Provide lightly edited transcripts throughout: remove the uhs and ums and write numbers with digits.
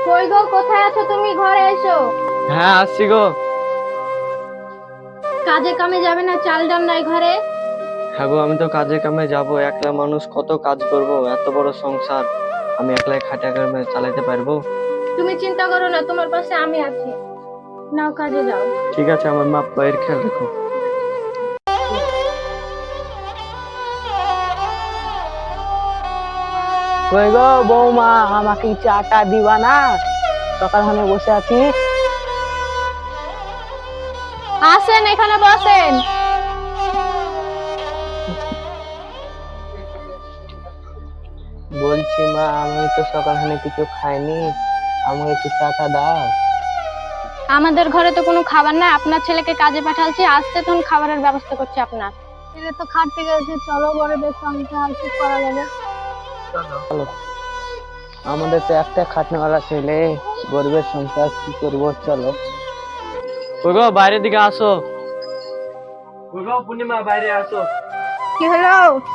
কই গো, কোথায় আছো তুমি? ঘরে এসো। হ্যাঁ আসছি গো। কাজে কামে যাবে না? চাল ডাল নাই ঘরে? হ্যাঁ গো, আমি তো কাজে কামে যাব, একলা মানুষ কত কাজ করব, এত বড় সংসার আমি একলাই খাটিয়া কামে চালাতে পারবো? তুমি চিন্তা করো না, তোমার পাশে আমি আছি। নাও কাজে যাও। ঠিক আছে, আমার মা পায়ের খেয়াল রেখো। কই গো বৌমা, আমাকে চাটা দিবা না? সকাল হনে বসে আছি। আসেন, এখানে বসেন। বলছি মা, আমি তো সকাল হনে কিছু খাইনি, আমাকে একটু চাটা দাও। আমাদের ঘরে তো কোনো খাবার নাই, আপনার ছেলেকে কাজে পাঠালছি, আসছে তখন খাবারের ব্যবস্থা করছি আপনার। ছেলে তো খাটতে গেছে, চলো গরিবের সংসার কি করা যাবে। চলো, আমাদের তো একটা খাটনেওয়ালা ছেলে, গরিবের সংসার কি করবো, চলো। ওই গো, বাইরের দিকে আসো। ওই গো পূর্ণিমা, বাইরে আসো। কি হলো?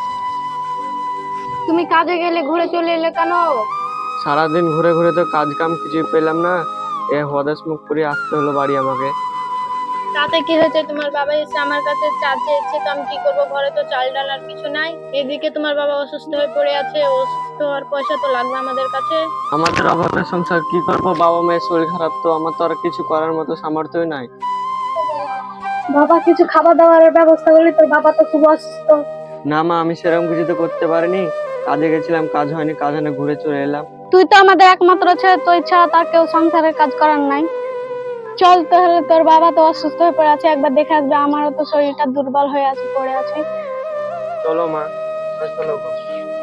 তুমি কাজে গেলে ঘুরে চলে এলে কেন? সারাদিন ঘুরে ঘুরে তো কাজ কাম কিছুই পেলাম না, এ হদাস মুখ করে আসতে হলো বাড়ি আমাকে। তাতে কি হয়েছে? তোমার বাবা এসে আমার কাছে চা চেয়েছে, তো আমি কি করবো? ঘরে তো চাল ডাল আর কিছু নাই। এদিকে তোমার বাবা অসুস্থ হয়ে পড়ে আছে, অসুস্থ হওয়ার পয়সা তো লাগবে আমাদের কাছে। আমাদের অভাবের সংসার কি করবো, বাবা মায়ের শরীর খারাপ, তো আমার তো আর কিছু করার মতো সামর্থ্যই নাই। বাবা কিছু খাবার দাবারের ব্যবস্থা করলি, তোর বাবা তো খুব অসুস্থ। না মা, আমি সেরকম কিছু তো করতে পারিনি, কাজে গেছিলাম, কাজ হয়নি, কাজ হয়নি, ঘুরে চলে এলাম। তুই তো আমাদের একমাত্র ছেলে, তুই ছাড়া তার কেউ সংসারের কাজ করার নাই। চল তাহলে, তোর বাবা তো অসুস্থ হয়ে পড়ে আছে, একবার দেখে আসবে। আমারও তো শরীরটা দুর্বল হয়ে আছে, পড়ে আছে। চলো মা, চলো গো।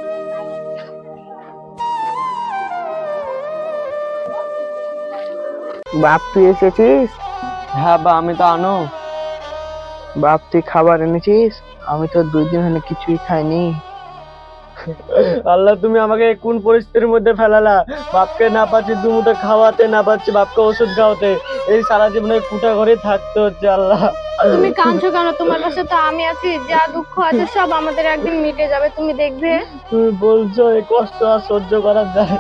বাপ তুই এসেছিস? হ্যাঁ বা, আমি তো আনো। বাপ তুই খাবার এনেছিস? আমি তো 2 দিন হলে কিছুই খাইনি। আল্লাহ, তুমি আমাকে কোন পরিস্থিতির মধ্যে ফেলালা! বাপকে না পাচ্ছি দুমুঠো খাওয়াতে, না পাচ্ছি বাপকে ওষুধ খাওয়াতে, এই সারা জীবনে কুটা ঘরে থাকতে হচ্ছে। আল্লাহ, তুমি কাঁদছো কেন? তোমার পাশে তো আমি আছি, যা দুঃখ আছে সব আমাদের একদিন মিটে যাবে, তুমি দেখবে। তুমি বলছো এই কষ্ট আর সহ্য করা যায়?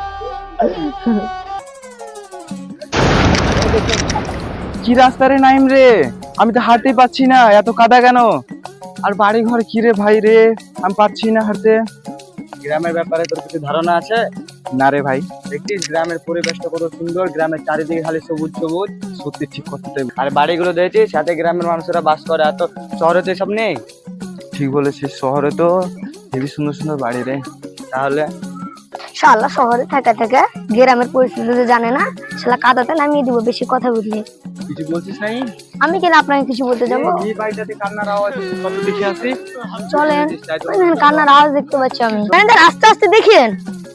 কি রাস্তা রে নাইম রে, আমি তো হাঁটতেই পাচ্ছি না, এত কাদা কেন? আর বাড়ি ঘর কি রে ভাই রে, আমি পাচ্ছি না হাঁটতে। গ্রামের ব্যাপারে তোর কিছু ধারণা আছে? না রে ভাই। দেখছিস গ্রামের পরিবেশটা কত সুন্দর, গ্রামের চারিদিকে খালি সবুজ সবুজ। সত্যি ঠিক কথা তো, আর বাড়িগুলো দেখছিস, সাথে গ্রামের মানুষেরা বাস করে, এত শহরে তো এসব নেই। ঠিক বলেছিস, শহরে তো হেবি সুন্দর সুন্দর বাড়ি রে। তাহলে শালা শহরে থাকা থাকা গ্রামের পরিস্থিতি তো জানে না, শালা কাদাতে নামিয়ে দিব বেশি কথা বুঝলি। কিছু বলছিস নাই? আমি কেন আপনাকে কিছু বলতে যাবো? এই বাড়িটাতে কান্নার আওয়াজ কত দেখে আসি। চলেন, ওইখানে কান্নার আওয়াজ দেখতে পাচ্ছি আমি। ম্যানেজার আস্তে আস্তে দেখেন।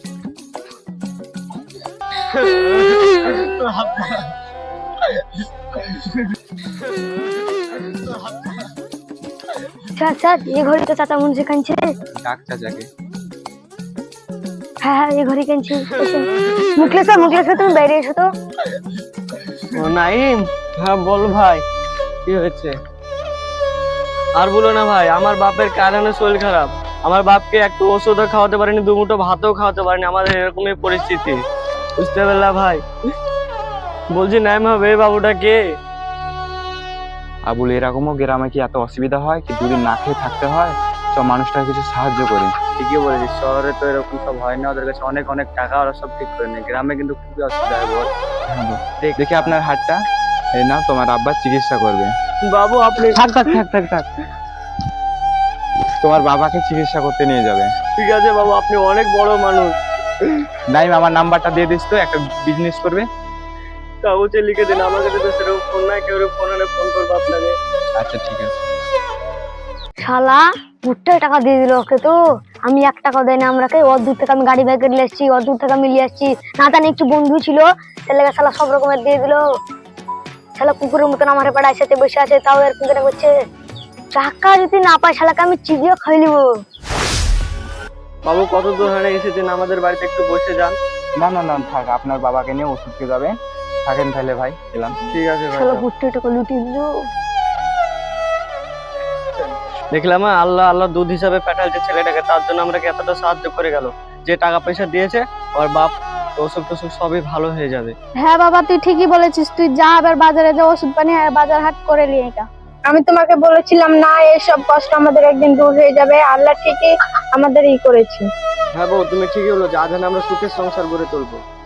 স্যার স্যার, এই ঘরে তো চাচা মনে কাঁদছে। ডাক চাচাকে। হ্যাঁ হ্যাঁ, এই ঘরে কাঁদছে। মুখলেশ স্যার, মুখলেশ স্যার, তুমি বাইরে এসো তো। ও নাইম, হ্যাঁ বল ভাই, কি হয়েছে? আর বলো না ভাই, আমার বাপের কারণে শরীর খারাপ, আমার বাপকে একটু ওষুধও খাওয়াতে পারিনি, দুমুঠো ভাতও খাওয়াতে পারিনি, আমাদের এরকমই পরিস্থিতি, বুঝতে পারলা ভাই? বলছি নাইম হবে, এই বাবুটা কে? আবুল, এরকমও গ্রামে কি এত অসুবিধা হয় কি 2 দিন না খেয়ে থাকতে হয়? চ মানুষটাকে কিছু সাহায্য করি। ঠিকই বলেছিস, শহরে তো এরকম সব হয় না, ওদের কাছে অনেক অনেক টাকা, ওরা সব ঠিক করে নেয়। গ্রামে কিন্তু খুবই অসুবিধা হয় বল। হ্যাঁ গো। দেখি আপনার হাতটা, এই নাও, তোমার আব্বা চিকিৎসা করবে। বাবু আপনি থাক থাক থাক থাক থাক, তোমার বাবাকে চিকিৎসা করতে নিয়ে যাবে। ঠিক আছে বাবু, আপনি অনেক বড় মানুষ। নাইম, আমার নাম্বারটা দিয়ে দিস তো, একটা বিজনেস করবে। কাগজে লিখে দিন, আমার কাছে তো সেরকম ফোন নাই, কেউ ফোন হলে ফোন করবো আপনাকে। আচ্ছা ঠিক আছে। শালা ভুট্টায় টাকা দিয়ে দিল ওকে, তো আমি 1 টাকা দেয় না আমরাকে। ওর দূর থেকে আমি গাড়ি বাইকে নিয়ে এসেছি, ওর দূর থেকে আমি নিয়ে আসছি, না জানি একটু বন্ধু ছিল, ছেলেকে শালা সব রকমের দিয়ে দিল। শালা কুকুরের মতন আমার পাড়ায় সাথে বসে আছে, তাও এর পিছনে করছে। টাকা যদি না পাই শালাকে আমি চিবিয়ে খাই নিব। বাবু কত দূর হানে এসেছেন, আমাদের বাড়িতে একটু বসে যান। না না না, থাক, আপনার বাবাকে নিয়ে ওষুধ খেয়ে যাবে, থাকেন তাহলে ভাই, এলাম। ঠিক আছে ভাই। শালা ভুট্টায় টাকা লুটিয়ে দিল। দেখলাম আল্লাহ আল্লাহ দুধ হিসাবে পাঠালছে ছেলেটাকে, তার জন্য আমরা এতটা সাহায্য করে গেল। যে টাকা পয়সা দিয়েছে ওর বাপ অসুখ টসুখ সবই ভালো হয়ে যাবে। হ্যাঁ বাবা, তুই ঠিকই বলেছিস। তুই যা এবার বাজারে যা, ওষুধ পানি আর বাজার হাট করে নিয়ে এটা। আমি তোমাকে বলেছিলাম না, এসব কষ্ট আমাদের একদিন দূর হয়ে যাবে। আল্লাহ ঠিকই আমাদের করেছে। হ্যাঁ বউ, তুমি ঠিকই বলো, যে আজ আমরা সুখের সংসার গড়ে তুলবো।